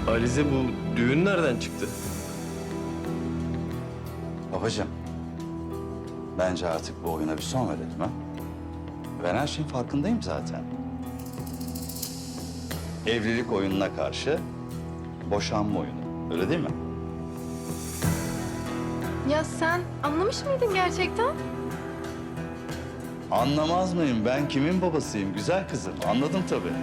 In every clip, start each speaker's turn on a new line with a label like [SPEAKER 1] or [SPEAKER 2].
[SPEAKER 1] Alize, bu düğün nereden çıktı?
[SPEAKER 2] Babacığım, bence artık bu oyuna bir son verelim ha. Ben her şeyin farkındayım zaten. Evlilik oyununa karşı boşanma oyunu. Öyle değil mi?
[SPEAKER 3] Ya sen anlamış mıydın gerçekten?
[SPEAKER 2] Anlamaz mıyım? Ben kimin babasıyım? Güzel kızım. Anladım tabii.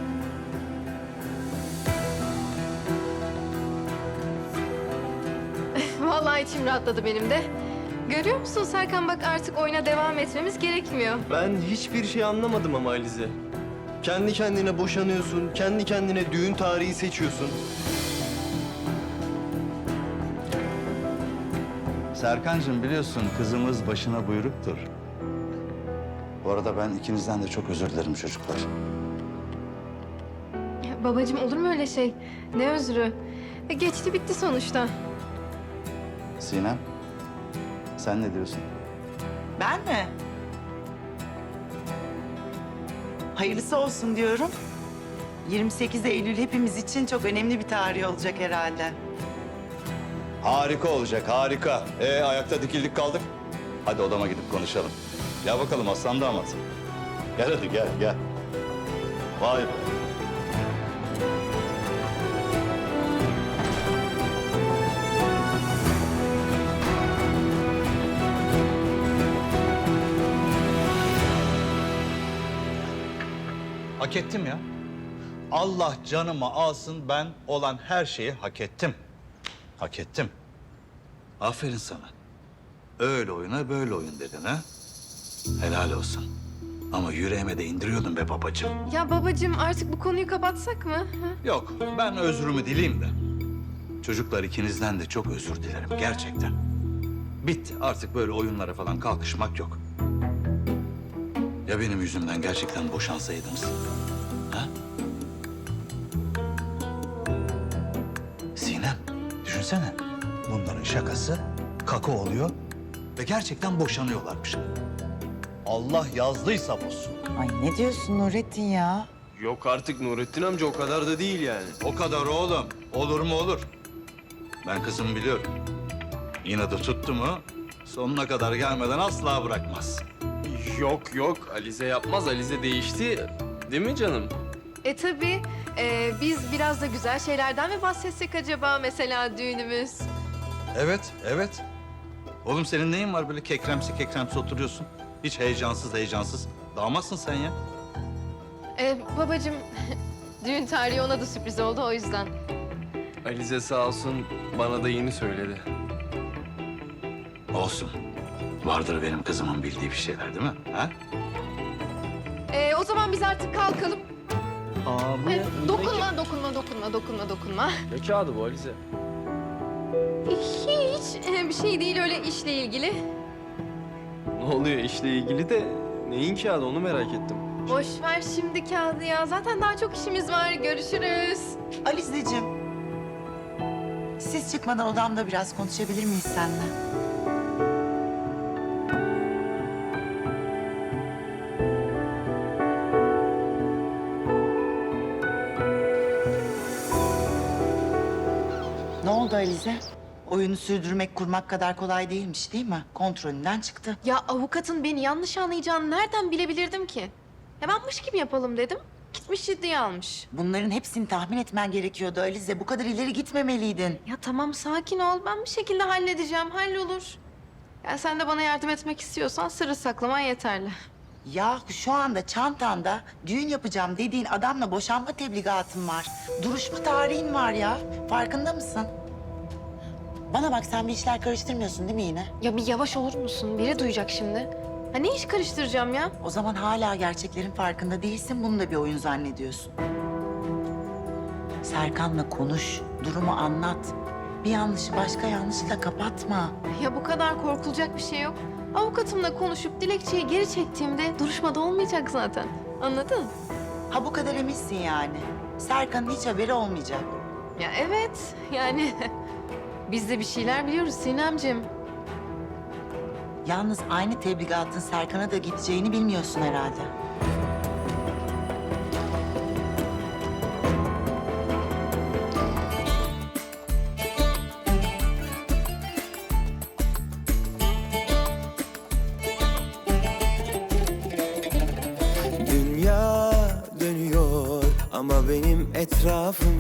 [SPEAKER 3] Vallahi içim rahatladı benim de. Görüyor musun Serkan, bak artık oyuna devam etmemiz gerekmiyor.
[SPEAKER 1] Ben hiçbir şey anlamadım ama Alize. Kendi kendine boşanıyorsun, kendi kendine düğün tarihi seçiyorsun.
[SPEAKER 2] Serkancığım, biliyorsun kızımız başına buyruktur. Bu arada ben ikinizden de çok özür dilerim çocuklar.
[SPEAKER 3] Ya babacığım, olur mu öyle şey? Ne özrü? Geçti bitti sonuçta.
[SPEAKER 2] Sinem, sen ne diyorsun?
[SPEAKER 4] Ben mi? Hayırlısı olsun diyorum. 28 Eylül hepimiz için çok önemli bir tarih olacak herhalde.
[SPEAKER 2] Harika olacak, harika. Ayakta dikildik kaldık. Hadi odama gidip konuşalım. Gel bakalım aslan damat. Gel hadi gel, gel. Vay be.
[SPEAKER 5] Hak ettim ya. Allah canımı alsın, ben olan her şeyi hak ettim. Hak ettim.
[SPEAKER 2] Aferin sana. Öyle oyuna böyle oyun dedin ha. Helal olsun. Ama yüreğime de indiriyordun be babacığım.
[SPEAKER 3] Ya babacığım, artık bu konuyu kapatsak mı? Ha?
[SPEAKER 5] Yok, ben özrümü dileyim de.
[SPEAKER 2] Çocuklar, ikinizden de çok özür dilerim gerçekten. Bitti, artık böyle oyunlara falan kalkışmak yok. Ya benim yüzümden gerçekten boşansaydınız? Ha? Sinem, düşünsene. Bunların şakası kaka oluyor ve gerçekten boşanıyorlarmış.
[SPEAKER 5] Allah yazdıysa bozsun.
[SPEAKER 4] Ay ne diyorsun Nurettin ya?
[SPEAKER 1] Yok artık Nurettin amca, o kadar da değil yani.
[SPEAKER 2] O kadar oğlum. Olur mu olur. Ben kızımı biliyorum. İnadı tuttu mu sonuna kadar gelmeden asla bırakmaz.
[SPEAKER 1] Yok yok, Alize yapmaz. Alize değişti. Değil mi canım?
[SPEAKER 3] Tabii. Biz biraz da güzel şeylerden mi bahsetsek acaba, mesela düğünümüz?
[SPEAKER 2] Evet, evet. Oğlum senin neyin var böyle kekremsi kekremsi oturuyorsun? Hiç heyecansız heyecansız. Damatsın sen ya.
[SPEAKER 3] Babacığım, düğün tarihi ona da sürpriz oldu, o yüzden.
[SPEAKER 1] Alize sağ olsun bana da yeni söyledi.
[SPEAKER 2] Olsun. Vardır benim kızımın bildiği bir şeyler değil mi? Ha?
[SPEAKER 3] O zaman biz artık kalkalım.
[SPEAKER 1] Aa, bu
[SPEAKER 3] Dokunma.
[SPEAKER 1] Ne kağıdı bu Alize?
[SPEAKER 3] Hiç bir şey değil, öyle işle ilgili.
[SPEAKER 1] Ne oluyor işle ilgili de neyin kağıdı, onu merak ettim.
[SPEAKER 3] Boş ver şimdi kağıdı ya. Zaten daha çok işimiz var. Görüşürüz.
[SPEAKER 4] Alizeciğim. Siz çıkmadan odamda biraz konuşabilir miyiz seninle? Ne oldu Alize? Oyunu sürdürmek, kurmak kadar kolay değilmiş değil mi? Kontrolünden çıktı.
[SPEAKER 3] Ya avukatın beni yanlış anlayacağını nereden bilebilirdim ki? Ya ben mış gibi yapalım dedim. Gitmiş ciddiye almış.
[SPEAKER 4] Bunların hepsini tahmin etmen gerekiyordu Alize. Bu kadar ileri gitmemeliydin.
[SPEAKER 3] Ya tamam, sakin ol. Ben bir şekilde halledeceğim. Hallolur. Ya sen de bana yardım etmek istiyorsan sırrı saklaman yeterli.
[SPEAKER 4] Ya şu anda çantanda düğün yapacağım dediğin adamla boşanma tebligatın var. Duruşma tarihin var ya. Farkında mısın? Bana bak, sen bir işler karıştırmıyorsun değil mi yine?
[SPEAKER 3] Ya bir yavaş olur musun? Biri duyacak şimdi. Ha ne iş karıştıracağım ya?
[SPEAKER 4] O zaman hala gerçeklerin farkında değilsin. Bunu da bir oyun zannediyorsun. Serkan'la konuş. Durumu anlat. Bir yanlışı başka yanlışla kapatma.
[SPEAKER 3] Ya bu kadar korkulacak bir şey yok. Avukatımla konuşup dilekçeyi geri çektiğimde duruşmada olmayacak zaten. Anladın?
[SPEAKER 4] Ha bu kadar eminsin yani. Serkan'ın hiç haberi olmayacak.
[SPEAKER 3] Ya evet, yani biz de bir şeyler biliyoruz Sinemciğim.
[SPEAKER 4] Yalnız aynı tebligatın Serkan'a da gideceğini bilmiyorsun herhalde.
[SPEAKER 6] Ama benim etrafım